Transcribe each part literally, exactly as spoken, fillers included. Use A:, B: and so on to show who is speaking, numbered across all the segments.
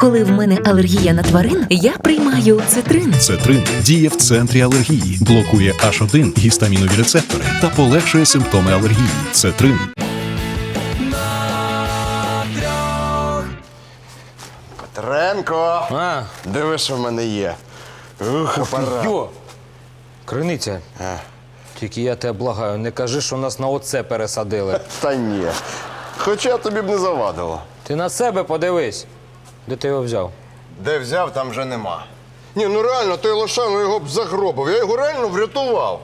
A: Коли в мене алергія на тварин, я приймаю цитрин.
B: Цетрин діє в центрі алергії, блокує аш один гістамінові рецептори та полегшує симптоми алергії. Цетрин.
C: Петренко!
D: А,
C: Диви, що в мене є. Ух, апарат.
D: йо! Криниця.
C: А.
D: Тільки я тебе благаю, не кажи, що нас на оце пересадили.
C: Та ні. Хоча тобі б не завадило.
D: Ти на себе подивись. Де ти його взяв?
C: Де взяв, там вже нема. Ні, ну реально, той Лошану його б загробив. Я його реально врятував.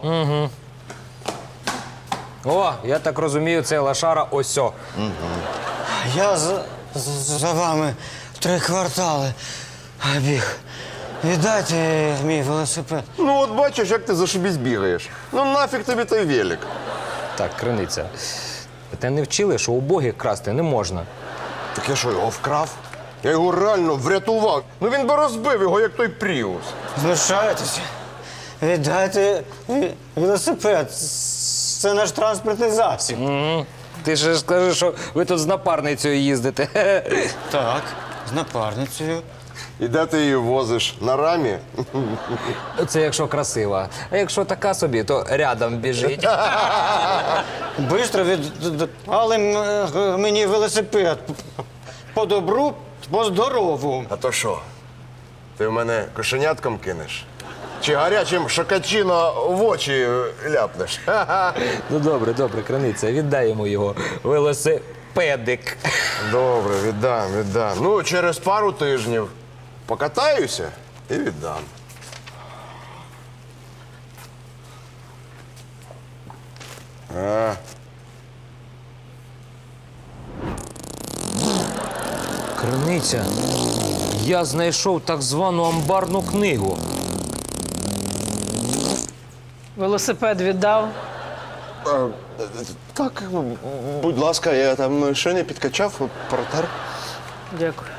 D: О, я так розумію, цей лошара осьо.
E: Я за, за, за вами три квартали біг. Віддайте мій велосипед.
C: Ну от бачиш, як ти зашибісь бігаєш. Ну нафіг тобі той велик.
D: Так, криниця. Те не вчили, що убогих красти не можна.
C: Так я що, його вкрав? Я його реально врятував. Ну він би розбив його, як той Пріус.
E: Знущаєтеся? Віддайте ві- велосипед. Це наш транспортний засіб.
D: Ти ж скажи, що ви тут з напарницею їздите.
E: Так, з напарницею.
C: І де ти її возиш? На рамі?
D: Це якщо красива. А якщо така собі, то рядом біжить.
E: Бистро віддали м- мені велосипед. По добру, по здорову.
C: А то що? Ти в мене кошенятком кинеш? Чи гарячим шокачино в очі ляпнеш?
D: Ну добре, добре, криниця, віддай йому його велосипедик.
C: Добре, віддам, віддам. Ну, через пару тижнів покатаюся і віддам. А,
D: Криниця, я знайшов так звану амбарну книгу.
F: Велосипед віддав.
C: так, будь ласка, я там ще не підкачав, протер.
F: Дякую.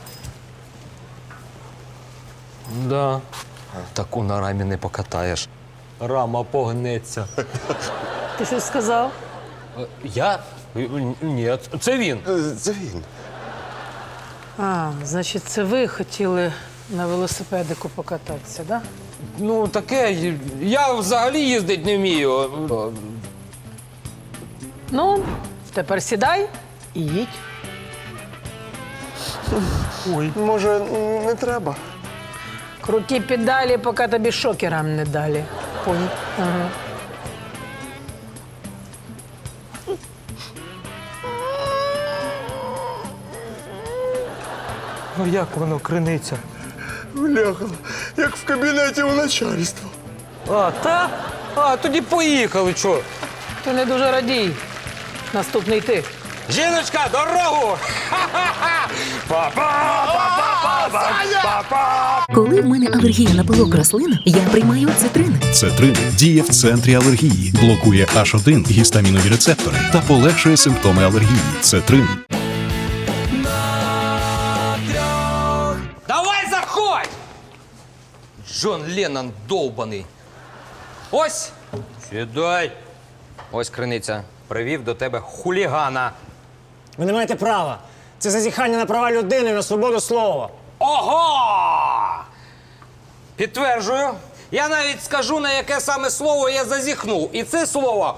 D: Да. Таку на рамі не покатаєш. Рама погнеться.
F: Ти щось сказав?
D: Е, Я? Е, Ні, це він.
C: Це він.
F: А, значить, це ви хотіли на велосипедику покататися, так? Да?
D: Ну, таке, я взагалі їздить не вмію.
F: Ну, тепер сідай і їдь.
C: Може, не треба?
F: Круті педалі, поки тобі шокерам не далі. Понял? Ага.
D: Ну як воно, криниця?
C: Бляха, як в кабінеті у начальства.
D: А, та? А, тоді поїхали, чо?
F: Ти не дуже радій. Наступний ти.
D: Жіночка, дорогу!
A: Коли в мене алергія на пилок рослин, я приймаю цитрин.
B: Цетрин діє в центрі алергії, блокує аш один гістамінові рецептори та полегшує симптоми алергії. Цетрин.
D: Давай заходь! Джон Леннон довбаний. Ось, сідай. Ось, криниця, привів до тебе хулігана.
E: Ви не маєте права. Це зазіхання на права людини, на свободу слова.
D: Ого! Підтверджую. Я навіть скажу, на яке саме слово я зазіхнув. І це слово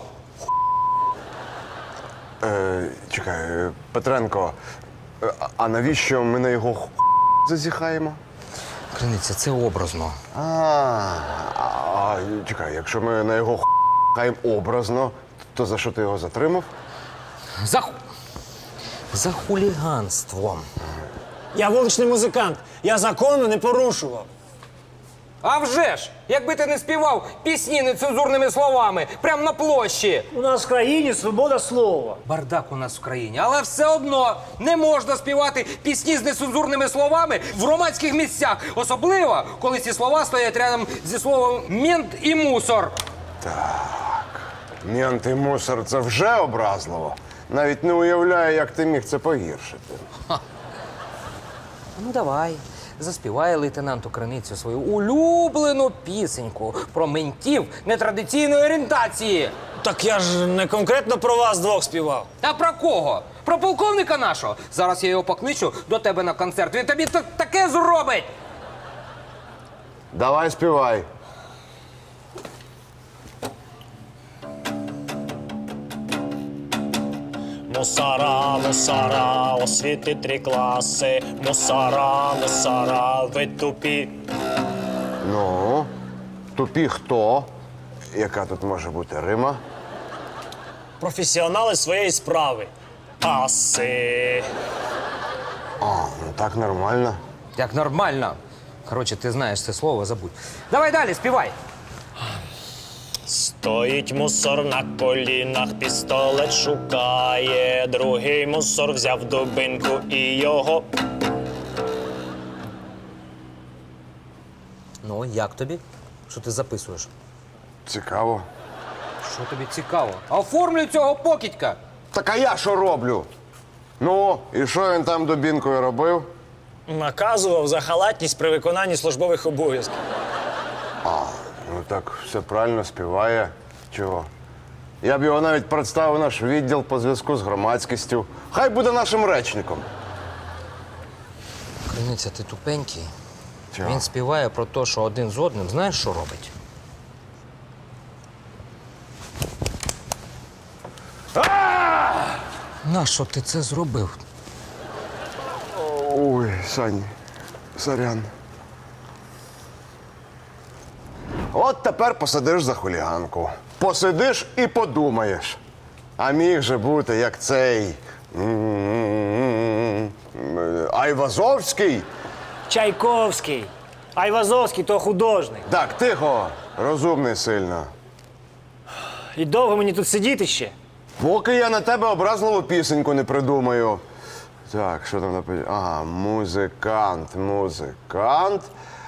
C: Е, чекай, е, Петренко, е, а- а навіщо ми на його х- зазіхаємо?
D: криниця, це образно.
C: А, а, а, чекай, якщо ми на його хаємо образно, то за що ти його затримав?
D: За, ху- за хуліганством.
E: Я вуличний музикант. Я закону не порушував.
D: А вже ж! Якби ти не співав пісні нецензурними словами, прямо на площі.
E: У нас в країні свобода слова.
D: Бардак у нас в країні, але все одно не можна співати пісні з нецензурними словами в громадських місцях. Особливо, коли ці слова стоять рядом зі словом «мент» і «мусор».
C: Мент і мусор – це вже образливо. Навіть не уявляю, як ти міг це погіршити.
D: Ну давай, заспівай лейтенанту Криницю свою улюблену пісеньку про ментів нетрадиційної орієнтації.
E: Так я ж не конкретно про вас двох співав.
D: Та про кого? Про полковника нашого. Зараз я його покличу до тебе на концерт. Він тобі та- таке зробить.
C: Давай співай.
E: Мусора, мусора, освіти три класи. Мусора, мусора, ви тупі.
C: Ну, тупі хто? Яка тут може бути рима?
E: Професіонали своєї справи. Аси.
C: А, ну так нормально.
D: Як нормально. Коротше, ти знаєш це слово, забудь. Давай далі, співай.
E: Стоїть мусор на колінах, пістолет шукає. Другий мусор взяв дубинку і його.
D: Ну, як тобі? Що ти записуєш?
C: Цікаво.
D: Що тобі цікаво? Оформлюй цього покидька.
C: Так а я що роблю? Ну, і що він там дубінкою робив?
E: Наказував за халатність при виконанні службових обов'язків.
C: Ну так все правильно співає. Чого? Я б його навіть представив в наш відділ по зв'язку з громадськістю. Хай буде нашим речником.
D: Криниця, ти тупенький.
C: Чого?
D: Він співає про те, що один з одним, знаєш, що робить? Нащо ти це зробив?
C: Ой, Сань, сорян. От тепер посидиш за хуліганку. Посидиш і подумаєш. А міг же бути, як цей м-м-м, Айвазовський.
E: Чайковський. Айвазовський то художник.
C: Так, тихо, розумний сильно.
E: І довго мені тут сидіти ще?
C: Поки я на тебе образливу пісеньку не придумаю. Так, що там написано? Ага, музикант, музикант.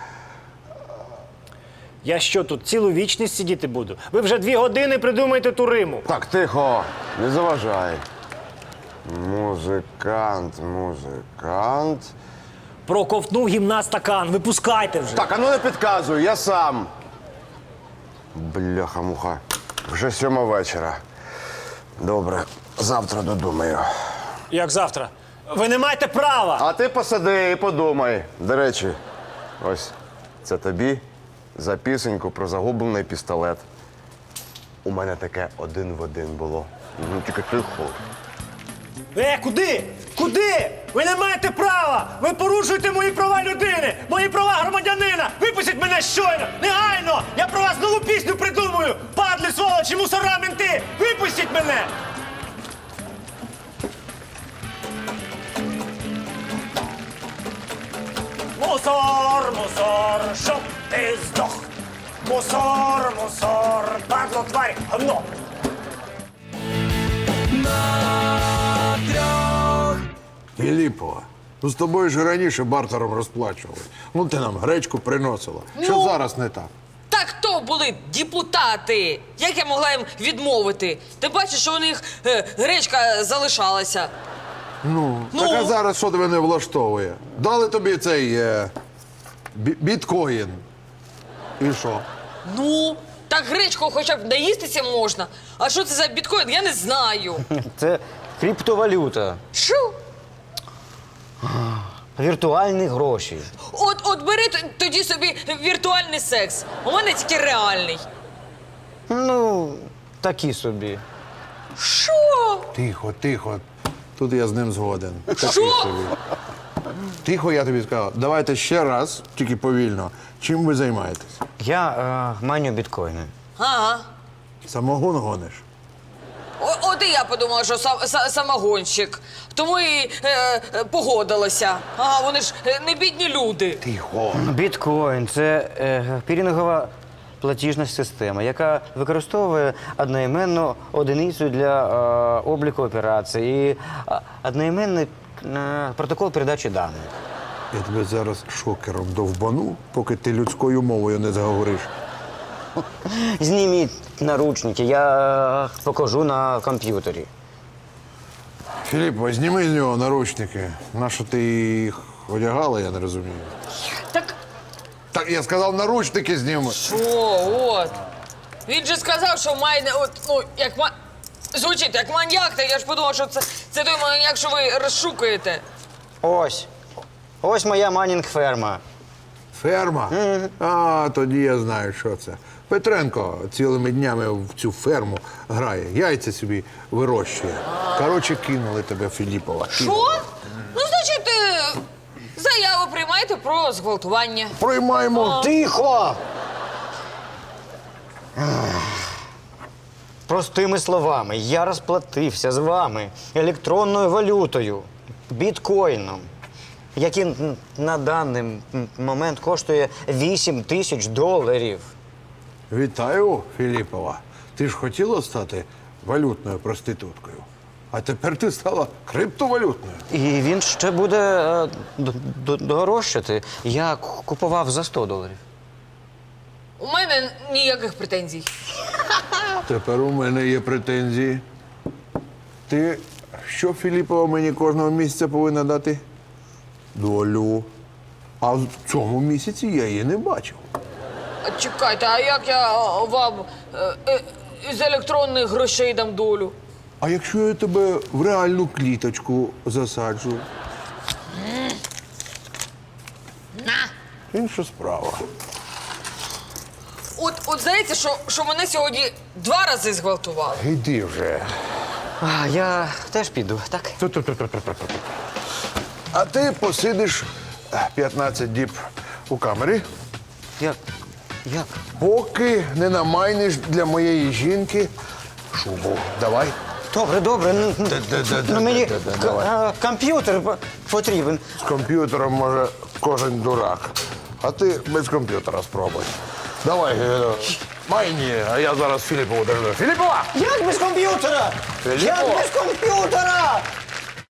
E: Я що, тут цілу вічність сидіти буду? Ви вже дві години придумаєте ту риму.
C: Так, тихо, не заважай. Музикант, музикант.
E: Проковтнув гімна стакан, випускайте вже.
C: Так, а ну не підказуй, я сам. Бляха-муха. Вже сьома вечора. Добре, завтра додумаю.
E: Як завтра? Ви не маєте права!
C: А ти посиди і подумай. До речі, ось це тобі за пісеньку про загублений пістолет. У мене таке один в один було. Ну тільки тихо.
E: Е, куди? Куди? Ви не маєте права! Ви порушуєте мої права людини! Мої права громадянина! Випустіть мене щойно! Негайно! Я про вас нову пісню придумаю! Падли, сволочі, мусора, менти! Випустіть мене! Мусор, мусор, щоб ти здох! Мусор, мусор, падло, тварь, гно!
G: Філіпова, ну з тобою ж раніше бартером розплачували. Ну ти нам гречку приносила. Що
H: Ну?
G: зараз не так?
H: Так то були депутати. Як я могла їм відмовити? Ти бачиш, що у них е, гречка залишалася.
G: Ну,
H: Ну?
G: так а зараз що тебе не влаштовує? Дали тобі цей е, бі- біткоін. І що?
H: Ну, так гречку хоча б наїстися можна. А що це за біткоін, я не знаю.
I: Це криптовалюта,
H: Що?
I: віртуальні гроші.
H: От, от бери т- тоді собі віртуальний секс. У мене тільки реальний.
I: Ну, такі собі.
H: Що?
G: Тихо, тихо. Тут я з ним згоден. Такий
H: Що?
G: собі. Тихо, я тобі сказав. Давайте ще раз, тільки повільно. Чим ви займаєтесь?
I: Я е, маню біткоїни.
H: Ага.
G: Самогон гониш?
H: О- От і я подумала, що сам, са- самогонщик. Тому і е, е, погодилася. Ага, вони ж е, не бідні люди.
G: Тихо.
I: Біткоін це е, пірінгова платіжна система, яка використовує одноіменну одиницю для е, обліку операцій і е, одноіменний е, протокол передачі даних.
G: Я тебе зараз шокером довбану, поки ти людською мовою не заговориш.
I: Зніміть наручники, я е, покажу на комп'ютері.
G: Філіп, зніми з нього наручники. Нащо ти їх одягала, я не розумію.
H: Так
G: Так, я сказав, наручники зніми.
H: що, от. Він же сказав, що має, от, ну, як ма... звучить як маньяк, так я ж подумав, що це Це той маньяк, що ви розшукуєте.
I: Ось. Ось моя манінг-ферма.
G: Ферма? А, тоді я знаю, що це. Петренко цілими днями в цю ферму грає, яйця собі вирощує. Коротше, кинули тебе, Філіпова.
H: Що? Ну, значить, е, заяву приймайте про зґвалтування.
G: Приймаємо.
I: Тихо! Простими словами, я розплатився з вами електронною валютою, біткоїном, який н- на даний м- момент коштує вісім тисяч доларів.
G: Вітаю, Філіпова. Ти ж хотіла стати валютною проституткою. А тепер ти стала криптовалютною.
I: І він ще буде е, д- д- дорожчати. Я к- купував за сто доларів.
H: У мене ніяких претензій.
G: Тепер у мене є претензії. Ти що, Філіпова, мені кожного місяця повинна дати? Долю. А в цьому місяці я її не бачив.
H: А чекайте, а як я а, вам е, е, з електронних грошей дам долю?
G: А якщо я тебе в реальну кліточку засаджу? Інша справа.
H: От, от здається, що, що мене сьогодні два рази зґвалтували.
G: Іди вже.
I: А, я теж піду, так?
G: А ти посидиш п'ятнадцять діб у камері,
I: Як? Як?
G: поки не намайниш для моєї жінки шубу. Давай.
I: Добре, добре. Ну, ну,
G: Де-де-де-де-де-де,
I: ну, мені
G: давай.
I: к- а, комп'ютер по- потрібен.
G: З комп'ютером може кожен дурак. А ти без комп'ютера спробуй. Давай, е, майні, а я зараз Філіпову держу. Філіпова!
I: Як без комп'ютера?
G: Філіппо!
I: Як без комп'ютера?